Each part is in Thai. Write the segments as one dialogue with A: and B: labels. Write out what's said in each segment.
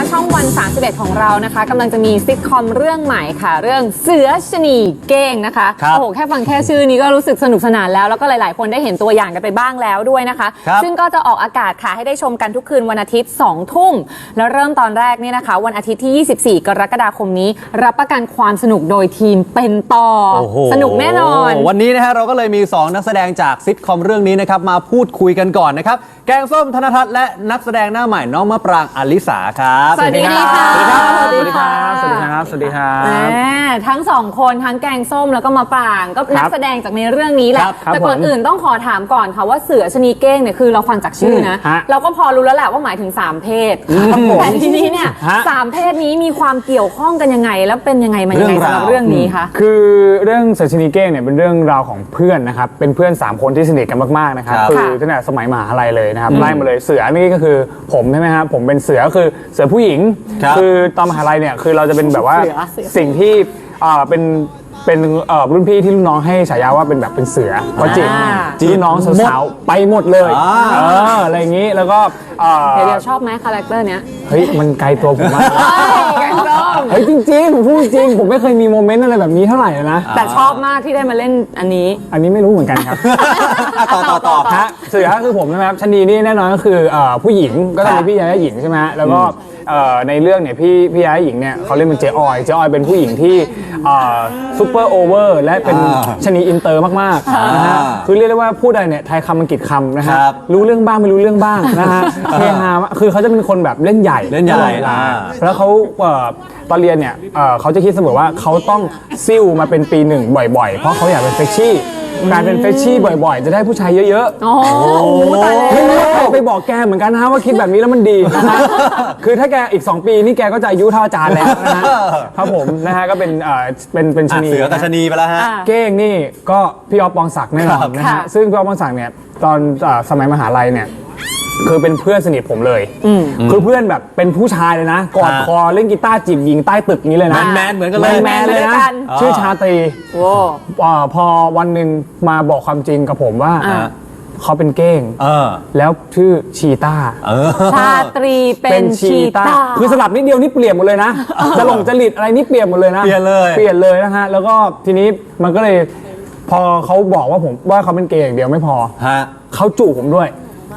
A: ช่องวัน31ของเรานะคะกำลังจะมีซิทคอมเรื่องใหม่ค่ะเรื่องเสือชนีเก้งนะคะโอ้โหแค่ฟังแค่ชื่อนี้ก็รู้สึกสนุกสนานแล้วก็หลายๆคนได้เห็นตัวอย่างกันไปบ้างแล้วด้วยนะคะซึ่งก็จะออกอากาศค่ะให้ได้ชมกันทุกคืนวันอาทิตย์2 ทุ่มแล้วเริ่มตอนแรกนี่นะคะวันอาทิตย์ที่24 กรกฎาคมนี้รับประกันความสนุกโดยทีมเป็นต่อสนุกแน่นอน
B: วันนี้นะฮะเราก็เลยมี2นักแสดงจากซิทคอมเรื่องนี้นะครับมาพูดคุยกันก่อนนะครับแกงส้มธนทัศน์และนักแสดงหน้าใหม่น้องมะปรางอลิสาครับ
A: สวัสดีค่ะ
C: สวัสดีครับสวัสดีครับสวัสดีครับ
A: ทั้ง2คนทั้งแกงส้มแล้วก็มะปรางก็นักแสดงจากในเรื่องนี้แหละแต่ก่อนอื่นต้องขอถามก่อนค่ะว่าเสือชนีเก้งเนี่ยคือเราฟังจากชื่อนะเราก็พอรู้แล้วแหละว่าหมายถึง3เพศแต่ทีนี้เนี่ย3เพศนี้มีความเกี่ยวข้องกันยังไงแล้วเป็นยังไงมายังไงสำหรับเรื่องนี้คะ
C: คือเรื่องเสือชนีเก้งเนี่ยเป็นเรื่องราวของเพื่อนนะครับเป็นเพื่อน3 คนที่สนิทกันมากๆนะครับคือตั้งแต่สมัยมหาลัยเลยนะครับไล่มาเลยเสือนี่ก็คือผมใช่ไหมครับผมเป็นเสือคือเสือผู้หญิงคือตอนมหาลัยเนี่ยคือเราจะเป็นแบบว่าสิ่งที่เป็นรุ่นพี่ที่รุ่นน้องให้ฉายาว่าเป็นแบบเป็นเสือเพราะจีน้องสาวๆไปหมดเลยอะไรอย่างนี้แล้วก็
A: เดี๋ยวชอบไหมคาแรคเตอร์เนี้ย
C: เฮ้ยมันไกลตัวผมมากเฮ้ยจริงๆผมพูดจริงผมไม่เคยมีโมเมนต์อะไรแบบนี้เท่าไหร่นะ
A: แต่ชอบมากที่ได้มาเล่นอันนี้
C: ไม่รู้เหมือนกันครับต่อฮะเสือคือผมนะครับชนีนี่แน่นอนก็คือผู้หญิงก็ต้องมีพี่ยาหญิงใช่ไหมแล้วก็ในเรื่องเนี่ยพี่ยาหญิงเนี่ยเขาเล่นเป็นเจออยเป็นผู้หญิงที่ซูเปอร์โอเวอร์และเป็นชนีอินเตอร์มากๆนะฮะคือเรียกได้ว่าพูดอะไรเนี่ยไทยคำอังกฤษคำนะฮะรู้เรื่องบ้างไม่รู้เรื่องบ้างนะฮะเฮฮาคือเขาจะเป็นคนแบบเล่นใหญ่แล้วเขาตอนเรียนเนี่ยเขาจะคิดเสมอว่าเขาต้องซิ่วมาเป็นปี1บ่อยๆเพราะเขาอยากเป็นเฟชชี่การเป็นเฟชชี่บ่อยๆจะได้ผู้ชายเยอะๆ
A: โอ้ตายแล้ว
C: ไม่รู้ใครไปบอกแกเหมือนกันนะว่าคิดแบบนี้แล้วมันดีนะคือถ้าแกอีก2 ปีนี่แกก็จะอายุเท่าอาจารย์แล้วนะฮะครับผมนะฮะก็เป็นชนี
B: เสือกับชนีไปแล้วฮะ
C: เก้งนี่ก็พี่อ๊อฟปองศักดิ์แน่นอนนะฮะซึ่งพี่อ๊อฟปองศักดิ์เนี่ยตอนสมัยมหาลัยเนี่ยคือเป็นเพื่อนสนิทผมเลยคือเพื่อนแบบเป็นผู้ชายเลยนะกอดคอเล่นกีตาร์จีบหญิงใต้ตึกนี้เลยนะ
B: แมนเหมือนกันเลย
C: แมนเลยนะชื่อชาตรีพอวันหนึ่งมาบอกความจริงกับผมว่าเขาเป็นเก้งแล้วชื่อชีต้า
A: ชาตรีเป็นชีต้า
C: คือสลับนิดเดียวนี่เปลี่ยนหมดเลยนะจะหลงจริตอะไรนี่เปลี่ยนหมดเลยนะ
B: เปลี่ยน
C: เลยนะฮะแล้วก็ทีนี้มันก็เลยพอเขาบอกว่าผมว่าเขาเป็นเก้งเดียวไม่พอเขาจูบผมด้วย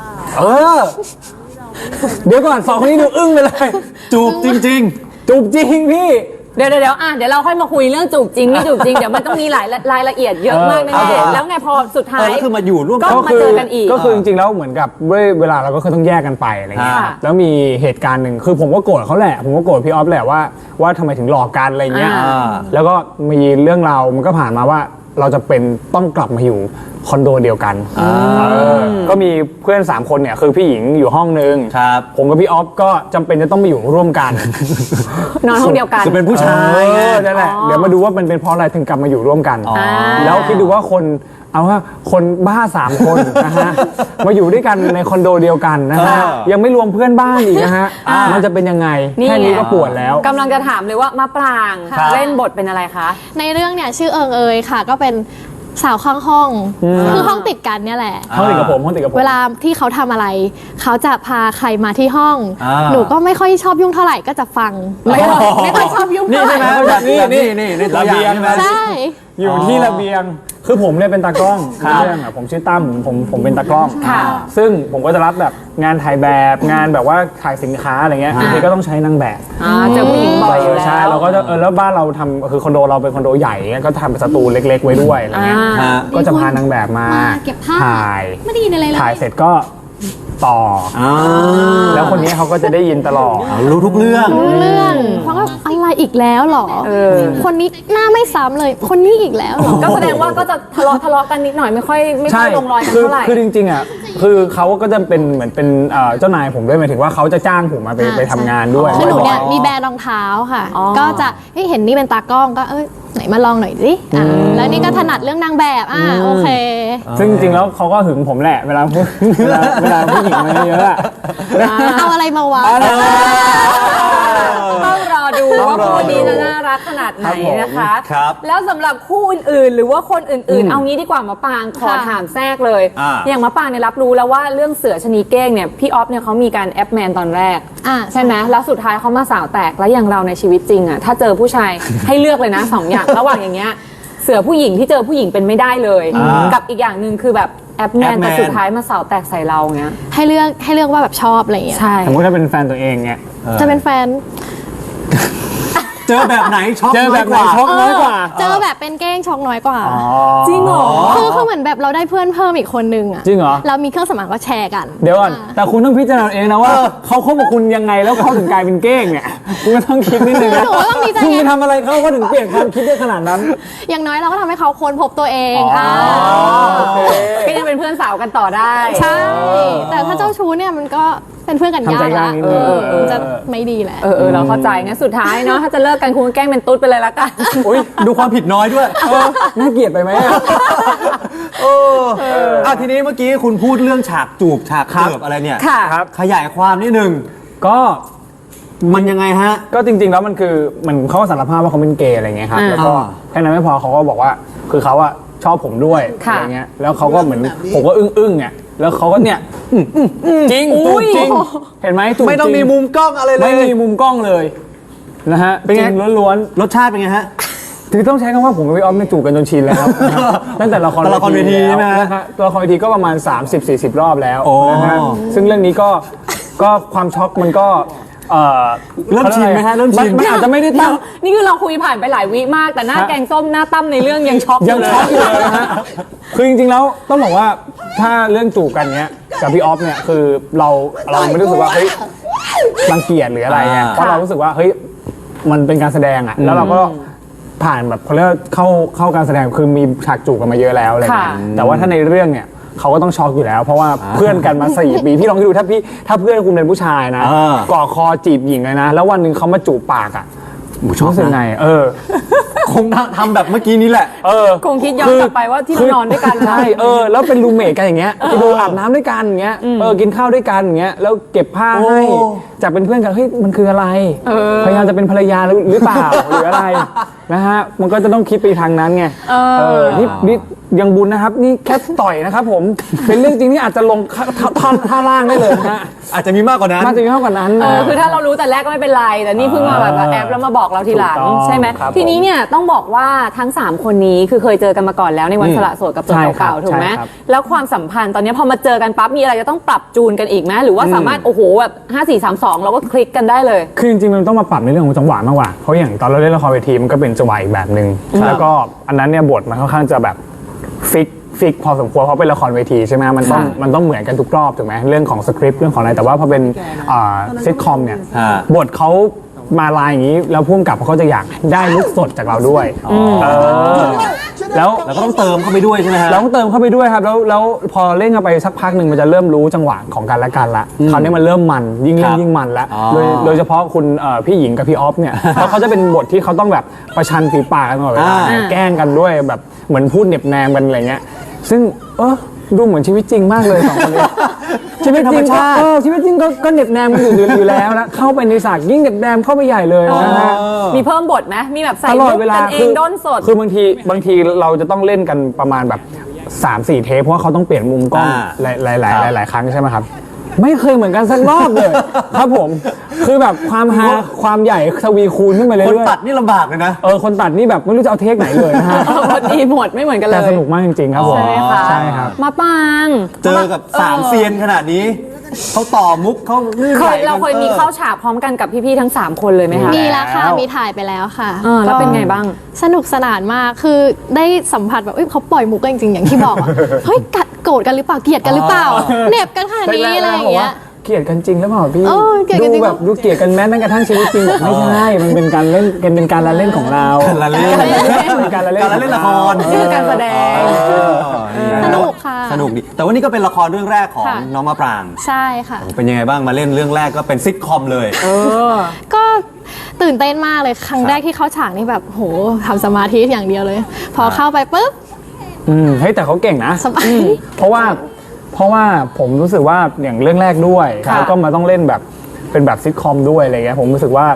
C: เดี๋ยวก่อน2 คนนี้ดูอึ้งไปเลย
B: จูบจริงๆ
C: จูบจริงพี่
A: เดี๋ยวเราค่อยมาคุยเรื่องจูบจริงไม่จูบจริงเดี๋ยวมันต้องมีรายละเอียดเยอะมากแน่ๆแล้วไงพอสุดท้าย
B: ก็คือมาอยู่ร่วม
A: ก็มาเจอกันอีก
C: ก็คือจริงๆแล้วเหมือนกับเวลาเราก็คือต้องแยกกันไปอะไรเงี้ยแล้วมีเหตุการณ์หนึ่งคือผมก็โกรธเขาแหละผมก็โกรธพี่ออฟแหละว่าทำไมถึงหลอกกันอะไรเงี้ยแล้วก็มีเรื่องราวมันก็ผ่านมาว่าเราจะเป็นต้องกลับมาอยู่คอนโดเดียวกันก็มีเพื่อน3 คนเนี่ยคือพี่หญิงอยู่ห้องนึงผมกับพี่ออฟก็จำเป็นจะต้องมาอยู่ร่วมกัน
A: นอนห้องเดียวกัน
B: คือเป็นผู้ชาย
C: นั่นแหละเดี๋ยวมาดูว่ามันเป็นเพราะอะไรถึงกลับมาอยู่ร่วมกันแล้วคิดดูว่าคนบ้า3 คนนะฮะมาอยู่ด้วยกันในคอนโดเดียวกันนะฮะยังไม่รวมเพื่อนบ้านอีกนะฮะมันจะเป็นยังไงแค่นี้ก็ปวดแล้ว
A: กำลังจะถามเลยว่ามะปรางเล่นบทเป็นอะไรคะ
D: ในเรื่องเนี่ยชื่อเอิงเอยค่ะก็เป็นสาวข้างห้องคือห้องติดกันเนี่ยแหละ
C: ห้องติดกับผม
D: เวลาที่เขาทำอะไรเขาจะพาใครมาที่ห้องหนูก็ไม่ค่อยชอบยุ่งเท่าไหร่ก็จะฟังไม่ค่อยชอบยุ่งเท่าไหร่
B: นี่ตัวอย่าง
D: ใช่
C: อยู่ที่ระเบียงคือผมเนี่ยเป็นตากล้องเรื่องผมชื่อตั้มผมเป็นตากล้องซึ่งผมก็จะรับแบบงานถ่ายแบบงานแบบว่าถ่ายสินค้าอะไรเงี้ยบางทีก็ต้องใช้นางแบบ
A: เจอผู้หญิงบ่อย
C: ใช่เราก็จะแล้วบ้านเราทำคือคอนโดเราเป็นคอนโดใหญ่ก็ทำสตูเล็กๆไว้ด้วยอะไรเงี้ยก็จะพานางแบบมาถ่าย
D: ไม่ได้ยินอะไรเลย
C: ถ่ายเสร็จก็ต่อแล้วคนนี้เขาก็จะได้ยินตลอด
B: รู้ทุกเรื่อง
D: เพราะว่าอะไรอีกแล้วหรอคนนี้หน้าไม่ซ้ำเลยคนนี้อีกแล้วหรอ
A: ก็แสดงว่าก็จะทะเลาะกันนิดหน่อยไม่ค่อยลงรอยกันเท่าไหร่
C: คือจริงๆอ่ะคือเขาก็จะเป็นเหมือนเป็นเจ้านายผมด้วยหมายถึงว่าเขาจะจ้างผมมาไปทำงานด้วย
D: คือหนูเนี่ยมีแบรนด์รองเท้าค่ะก็จะเห็นนี่เป็นตากล้องก็ไหนมาลองหน่อยสิแล้วนี่ก็ถนัดเรื่องนางแบบโอเค
C: ซึ่งจริงๆแล้วเขาก็หึงผมแหละเวลาผู้หญิงมาเยอะ
D: เอาอะไรมาวะ
A: ต้องรอดูว่าคู่นี้จะน่ารัรักขนาดไหนนะคะ
B: ครับ
A: แล้วสำหรับคู่อื่นๆ หรือว่าคนอื่นๆ เอางี้ดีกว่ามะปางขอถามแทรกเลย อย่างมะปางเนี่ยรับรู้แล้วว่าเรื่องเสือชะนีเก้งเนี่ยพี่ออฟเนี่ยเขามีการแอปแมนตอนแรกใช่ไหมแล้วสุดท้ายเขามาสาวแตกแล้วอย่างเราในชีวิตจริงอะถ้าเจอผู้ชาย ให้เลือกเลยนะ2 อย่างระหว่างอย่างเงี้ยเสือผู้หญิงที่เจอผู้หญิงเป็นไม่ได้เลยกับอีกอย่างหนึ่งคือแบบแอปแมนแต่สุดท้ายมาสาวแตกใส่เราเงี้ย
D: ให้เลือกว่าแบบชอบอะไรอย่างเงี้ย
A: ใช่
C: สมมติถ้าเป็นแฟนตัวเองเนี่ย
D: จะเป็นแฟน
B: เจอแบบไหนช็อก
C: เจอ
B: น้
C: แบ
B: อย
C: บ
B: ก
C: ไหน
B: ว่า
C: ช็อกน้อยกว่า
D: เจอแบบเป็นเก้งช็อกน้อยกว่า
A: จริงเหรอ
D: คือเหมือนแบบเราได้เพื่อนเพิ่มอีกคนนึงอะ
C: จริงเหรอ
D: เรามีเครื่องสำอางก็แชร์กัน
C: เดี๋ยวก่อนแต่คุณต้องพิจารณาเองนะว่าเขาคบกับคุณยังไงแล้วเขาถึงกลายเป็นเก้งเนี่ยคุณก็ต้องคิดนิดนึงนะ
D: หนูก็ต้องมีใจ
C: คุณ
D: เย็
C: ไป
D: น
C: ทำอะไรเขาก็ถึงเปลี่ยนความคิดได้ขนาดนั้น
D: อย่างน้อยเราก็ทำให้เขาค้นพบตัวเอง
A: ก็ยังเป็นเพื่อนสาวกันต่อได้
D: ใช่ แต่ถ้าเจ้าชู้เนี่ยมันก็เป็นเพื่อนกันยาก
C: ทำใจยาก
D: ละ
C: นิดนึง
D: มันจะไม่ดีแหละ
A: เราเข้าใจงั้นสุดท้ายเนาะถ้าจะเลิกกันคุณก็แกล้งเป็นตุ๊ดไปเลยละกัน
B: อุ๊ยดูความผิดน้อยด้วย
C: น่าเกลียดไปไหมอะ
B: ทีนี้เมื่อกี้คุณพูดเรื่องฉากจูบฉากเสิร์ฟอะไรเนี่ย
A: ค่ะ
C: ครับ
B: ขยายความนิดนึง
C: ก็
B: มันยังไงฮะ
C: ก็จริงๆแล้วมันคือมันเขาก็สารภาพว่าเขาเป็นเกย์อะไรเงี้ยครับแล้วก็แค่นั้นไม่พอเขาก็บอกว่าคือเขาอะชอบผมด้วยอะไรเงี้ยแล้วเขาก็เหมือนผมก็อึ้งเนี่ยแล้วเขาก็เนี่ยจริงจูบจริงเห็นไหมจูบ
B: ไม่ต้อง
C: จริ
B: มีมุมกล้องอะไรเลย
C: ไม่มีมุมกล้องเลยนะฮะ
B: เป็นไง
C: จริงล้วน
B: รสชาติเป็นไงฮะ
C: ๆคือต้องใช้คำว่าผมกับพี่ออฟเนี่ยจูบกันจนชินแล้วครับตั้งแต่ละคร
B: ละครเวทีใช่ไหมฮะ
C: นะครับละครเวทีก็ประมาณ 30-40 รอบแล้ว
B: โอ้
C: นะฮะซึ่งเรื่องนี้ก็ความช็อกมันก็
B: เริ่มชินไหมฮะเริ่มชิน
C: มันอาจจะไม่ได้ตั้ง
A: นี่คือเราคุยผ่านไปหลายวิมาก แต่หน้า
C: ฮะ
A: แกงส้มหน้าตั้มในเรื่องยังช็อก
C: ยังช็อกอยู่เลยนะฮะ คือจริงๆแล้วต้องบอกว่าถ้าเรื่องจูบกันเนี้ยกับพี่ออฟเนี่ยคือเราไม่รู้สึกว่าเฮ้ยรังเกียจหรืออะไรเงี้ยเพราะเรารู้สึกว่าเฮ้ยมันเป็นการแสดงอ่ะแล้วเราก็ผ่านแบบเขาเรียกว่าเข้าการแสดงคือมีฉากจูบกันมาเยอะแล้วอะไรเงี้ยแต่ว่าถ้าในเรื่องเนี่ยเขาก็ต้องช็อกอยู่แล้ว เพราะว่าเพื่อนกันมา4 ปีพี่ลองคิดดูถ้าเพื่อนคุณเป็นผู้ชายนะก่อคอจีบหญิงเลยนะแล้ววันหนึ่งเขามาจูบปากอ่ะรู้สึกไง
B: คงทำแบบเมื่อกี้นี้แหละ
A: คงคิดย้อนกลับไปว่าที่เรานอนด้วยกันนะ
C: ใช่แล้วเป็นรูมเมทกันอย่างเงี้ยไปดูอาบน้ำด้วยกันอย่างเงี้ยกินข้าวด้วยกันอย่างเงี้ยแล้วเก็บผ้าให้จากเป็นเพื่อนกันเฮ้ยมันคืออะไรพยายามจะเป็นภรรยาหรือเปล่าหรืออะไรนะฮะมันก็จะต้องคิดไปทางนั้นไงนี่ยังบุญนะครับนี่แค่ต่อยนะครับผมเป็นเรื่องจริงที่อาจจะลงท่าล่างได้เลยนะฮะ
B: อาจจะมีมากกว่านั้น
C: น่าจะมีมากกว่านั้น
A: คือถ้าเรารู้แต่แรกก็ไม่เป็นไร แต่นี่เพิ่งมาแบบแอปแล้วมาบอกเราทีหลัง
C: ถูกต้อง
A: ใช่ไหม
C: ครับ
A: ทีนี้เนี่ยต้องบอกว่าทั้ง 3 คนนี้คือเคยเจอกันมาก่อนแล้วในวันสละโสดกับตัว
C: ใช่ครับ
A: เก่าๆถูกไหม
C: ใช่ครับ
A: แล้วความสัมพันธ์ตอนนี้พอมาเจอกันปั๊บมีอะไรจะต้องปรับจูนกันอีกไหมหรือว่าสามารถโอ้โหแบบ5 4 3 2เราก็คลิกกันได้เลย
C: คือจริงๆมันต้องมาปรับในเรื่องของจังหวะมากกว่าเพราะอย่างตอนเราเล่นละครเวทีมันก็เป็นจังหวะอีกแบบหนึ่งแล้วก็อันนั้นเนี่ยบทมันค่อนข้างจะแบบฟิกพอสมควรเพราะเป็นละครเวทีใช่ไหมมันต้องเหมือนกันทุกรอบถูกไหมเรื่องของสคริปต์เรื่องของอะไรแต่ว่าพอเป็นซิทคอมเนี่ยบทเขามาลายอย่างนี้แล้วพุ่งกับเขาจะอยากได้ลุคสดจากเราด้วยแล้ว
B: แล้วก็ต้องเติมเข้าไปด้วยใช่ไหมฮะ
C: เราต้องเติมเข้าไปด้วยครับแล้วพอเล่นกันไปสักพักหนึ่งมันจะเริ่มรู้จังหวะของกันและกันละคราวนี้มันเริ่มมันยิ่งเล่นยิ่งมันแล้วโดยเฉพาะคุณพี่หญิงกับพี่ออฟเนี่ยเพราะเขาจะเป็นบทที่เขาต้องแบบประชันฝีปากกันตลอดเวลาแกล้งกันด้วยแบบเหมือนพูดเหน็บแนมกันอะไรเงี้ยซึ่งดูเหมือนชีวิตจริงมากเลย2 คนนี้ชีวิตจริงชีวิตจริงก็เหน็บแนมกันอยู่แล้วนะเข้าไปในฉากยิ่งเหน็บแนมเข้าไปใหญ่เลยนะฮะ
A: มีเพิ่มบทไหมมีแบบใส่
C: ตลอด
A: ลุค
C: เวลา
A: กันเองด้นสด
C: คือบางทีเราจะต้องเล่นกันประมาณแบบ 3-4 เทปเพราะว่าเขาต้องเปลี่ยนมุมกล้องหลายครั้งใช่ไหมครับไม่เคยเหมือนกันสักรอบเลย ครับผมคือแบบความฮาความใหญ่ทวีคูณขึ้นไปเรื่อยๆ
B: คนตัดนี่ลำบากเลยนะ
C: คนตัดนี่แบบไม่รู้จะเอาเทคไหนเลยนะฮะ
A: บทดีหมดไม่เหมือนกันเลย
C: แต่สนุกมากจริงๆครับผม
A: ใช่ไหมคะ
C: ใช่ครับ
A: มาปาง
B: เจอกับ3 เซียนขนาดนี้เขาต่อมุกเขาลื่นไหลกัน
A: เราเคยมีเข้าฉากพร้อมกันกับพี่ๆทั้ง 3 คนเลยไหมคะ
D: มีแล้วค่ะ มีถ่ายไปแล้วค่ะ
A: แล้วเป็นไงบ้าง
D: สนุกสนานมาก คือได้สัมผัสแบบเขาปล่อยมุกกันจริงๆ อย่างที่บอกอะ เฮ้ยโกรธกันหรือเปล่า เกลียดกันหรือเปล่า เหน็บกันขนาดนี้อะไรอย่างเงี้ย
C: เกลียดกันจริงหรือเปล่าพี่
D: เกลียดกันจริง
C: ดูแบบดูเกลียดกันแม้กระทั่งชีวิตจริงบอกไม่ใช่มันเป็นการเล่นเป็นการละเล่นของเรา
B: ละเล่น
C: เป็นการละเล่น
B: การเล่นละคร
A: นี่คือการแสดง
D: สนุกค่ะ
B: สนุกดีแต่ว่านี่ก็เป็นละครเรื่องแรกของ
D: ค่ะ
B: น้องมะปราง
D: ใช่ค่ะ
B: เป็นยังไงบ้างมาเล่นเรื่องแรกก็เป็นซิทคอมเลย
D: ก็ตื่นเต้นมากเลย ครั้งแรกที่เข้าฉากนี่แบบโหทำสมาธิอย่างเดียวเลย พอเข้าไปปุ๊บ
C: เฮ้ยแต่เขาเก่งนะ
D: สบาย
C: เพราะว่าผมรู้สึกว่าอย่างเรื่องแรกด้วยแล้วก็มาต้องเล่นแบบเป็นแบบซิทคอมด้วยอะไรเงี้ยผมรู้สึกว่า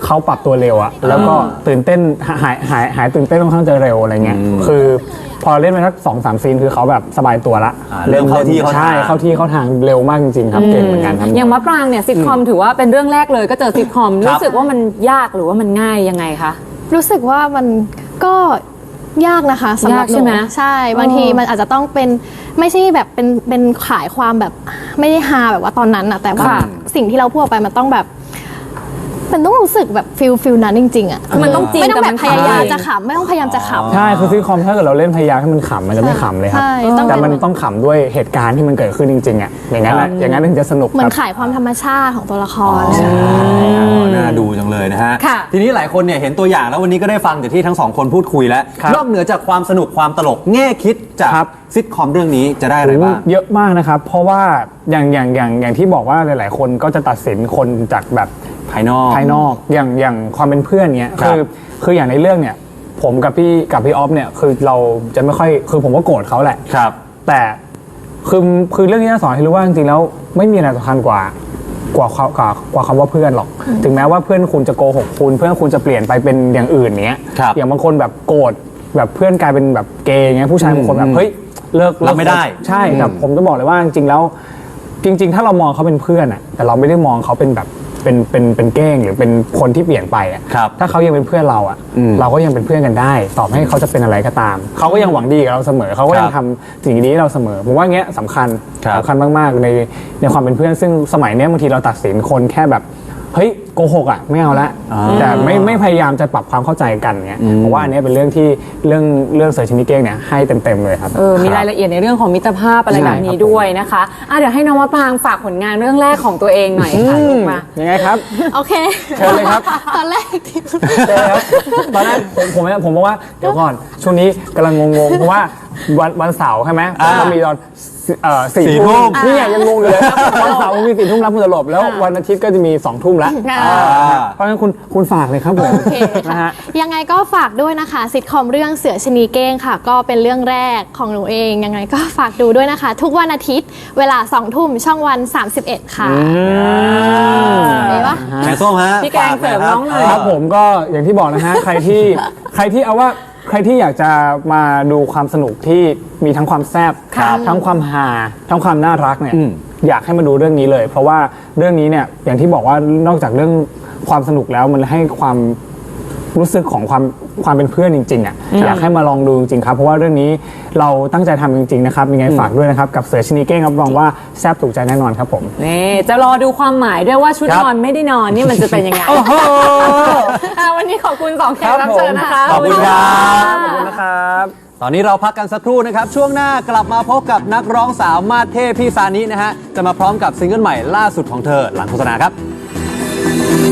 C: เขาปรับตัวเร็วอะแล้วก็ตื่นเต้นหายตื่นเต้นค่อนข้างจะเร็วอะไรเงี้ยคือพอเล่นไปสัก2-3 ซีนคือเขาแบบสบายตัวละ
B: เริ่มเข้าที่เข้าทาง
C: ใช่เข้าที่เข้าทางเร็วมากจริงๆครับเก่งเหมือนกันครับ
A: อย่างมะปรางเนี่ยซิทคอมถือว่าเป็นเรื่องแรกเลยก็เจอซิทคอมรู้สึกว่ามันยากหรือว่ามันง่ายยังไงคะ
D: รู้สึกว่ามันก็ยากนะคะสำหรับ
A: ยากใช่ไหม
D: นูใช่บางทีมันอาจจะต้องเป็นไม่ใช่แบบเป็นขายความแบบไม่ได้ฮาแบบว่าตอนนั้นนะแต่ว่า
A: ค่ะ
D: สิ่งที่เราพูดออกไปมันต้องแบบมันต้องรู้สึกแบบฟิลนั้นจริงๆอ่ะ
A: คือมันต้องจริง
D: ไม่ต้องแบบ
A: แต่
D: พ
A: มัน
D: ยายาม
A: ขำ
D: จะขำไม่ต้องพยายามจะขำ
C: ใช่คือซิทคอมถ้าเกิดเราเล่นพยายามให้มันขำมันจะไม่ขำเลยครับ
D: ใช่ต้อง
C: แต่
D: เป็น
C: มันต้องขำด้วยเหตุการณ์ที่มันเกิดขึ้นจริงๆอ่ะอย่างนั้นแหละอย่างนั้นถึงจะสนุก
D: เหมื
C: ค
D: อน
C: รับ
D: ขายความธรรมชาติของตัวละคร
B: น่าดูจังเลยนะฮะ
A: ค่ะ
B: ทีนี้หลายคนเนี่ยเห็นตัวอย่างแล้ววันนี้ก็ได้ฟังจากที่ทั้งสองคนพูดคุยแล้ว
C: ครับ
B: นอกเหนือจากความสนุกความตลกแง่คิดจาก
C: ครับ
B: ซิทคอมเรื่องนี้จะได้อะไรบ้าง
C: เยอะมากนะครับ เพราะว่าอย่างที่บอกว่าหลาย ๆ คนก็จะตัดสินคนจากแบบ
B: ภายนอก
C: อย่างความเป็นเพื่อนเนี้ย
B: ครับ
C: คืออย่างในเรื่องเนี่ยผมกับพี่ออฟเนี่ยคือเราจะไม่ค่อยคือผมก็โกรธเขาแหละ
B: ครับ
C: แต่คือเรื่องนี้สอนให้รู้ว่าจริงๆแล้วไม่มีอะไรสำคัญกว่าคำว่าเพื่อนหรอก ถึงแม้ว่าเพื่อนคุณจะโกหกคุณเพื่อนคุณจะเปลี่ยนไปเป็นอย่างอื่นเนี้ย
B: ครับ
C: อย่างบางคนแบบโกรธแบบเพื่อนกลายเป็นแบบเกย์เงี้ยผู้ชายบางคนแบบเฮ้ยเลิก
B: รับไม่ได้
C: ใช่แต่ผมจะบอกเลยว่าจริงๆแล้วจริง ๆ ถ้าเรามองเขาเป็นเพื่อนอะแต่เราไม่ได้มองเขาเป็นแบบเป็นเก้งหรือเป็นคนที่เปลี่ยนไปอะ
B: ครับ
C: ถ้าเขายังเป็นเพื่อนเราอะเราก็ยังเป็นเพื่อนกันได้ต่อให้เขาจะเป็นอะไรก็ตามเขาก็ยังหวังดีกับเราเสมอเขาก็ยังทำสิ่งดีให้เราเสมอผมว่าเงี้ยสำคัญ
B: ครับ
C: สำคัญมากๆในความเป็นเพื่อนซึ่งสมัยเนี้ยบางทีเราตัดสินคนแค่แบบเฮ้ยโกหกอ่ะไม่เอาละแต่ไม่พยายามจะปรับความเข้าใจกันเงี้ยเพราะว่าอันเนี้ยเป็นเรื่องที่เรื่องเสือชนิดเก้งเนี่ยให้เต็มๆเลยครับ
A: มีรายละเอียดในเรื่องของมิตรภาพอะไรแบบนี้ด้วยนะคะเดี๋ยวให้น้องมะปรางฝากผลงานเรื่องแรกของตัวเองหน่อยค่ะลูกมา
C: ยังไงครับ
D: โอเค
C: เชิญเลยครับ
D: ตอนแรกที่
C: ใช่ครับตอนแรกผมบอกว่าเดี๋ยวก่อนช่วงนี้กำลังงงๆเพราะว่าวันเสาร์ใช่ไหมก็มีตอน4
B: 4
C: ทุ่
B: ทุ่
C: ม
B: ม
C: นี่ยังงงอยู่เลยวันเสาร์มี4 ทุ่มรับมือตลบแล้ววันอาทิตย์ก็จะมี2 ทุ่มแล้ว
A: ค่ะ
C: เพราะฉะนั้นคุณฝากเลยครับผม
D: โอเค
C: นะ
D: ค่ะ
C: ฮะ
D: ยังไงก็ฝากด้วยนะคะซิทคอมเรื่องเสือชะนีเก้งค่ะ ก็เป็นเรื่องแรกของหนูเองยังไงก็ฝากดูด้วยนะคะ ทุกวันอาทิตย์เวลา2 ทุ่มช่องวัน 31 ค่ะเห็นปะ
B: แกงส้มฮะ
A: พี่แกงเสริมน้องหน่อย
C: ครับผมก็อย่างที่บอกนะฮะ ใครที่เอาว่าใครที่อยากจะมาดูความสนุกที่มีทั้งความแซ่บ
A: ครับ
C: ทั้งความฮาทั้งความน่ารักเนี่ยอยากให้มาดูเรื่องนี้เลย เพราะว่าเรื่องนี้เนี่ยอย่างที่บอกว่านอกจากเรื่องความสนุกแล้วมันให้ความรู้สึกของความเป็นเพื่อนจริงๆอ่ะอยากให้มาลองดูจริงๆครับเพราะว่าเรื่องนี้เราตั้งใจทำจริงๆนะครับยังไงฝากด้วยนะครับกับเสือชนิดเก้งรับรองว่าแซ่บถูกใจแน่นอนครับผม
A: นี่จะรอดูความหมายด้วยว่าชุด
B: ครับ
A: นอนไม่ได้นอนนี่มันจะเป็นยังไงวันนี้ขอบคุณ2แขกรับเชิญนะคะ
B: ขอบคุณครับ
C: ขอบคุณนะครับ
B: ตอนนี้เราพักกันสักครู่นะครับ ช่วงหน้ากลับมาพบกับนักร้องสาวมาสเทพพี่ซานินะฮะ จะมาพร้อมกับซิงเกิลใหม่ล่าสุดของเธอหลังโฆษณาครับ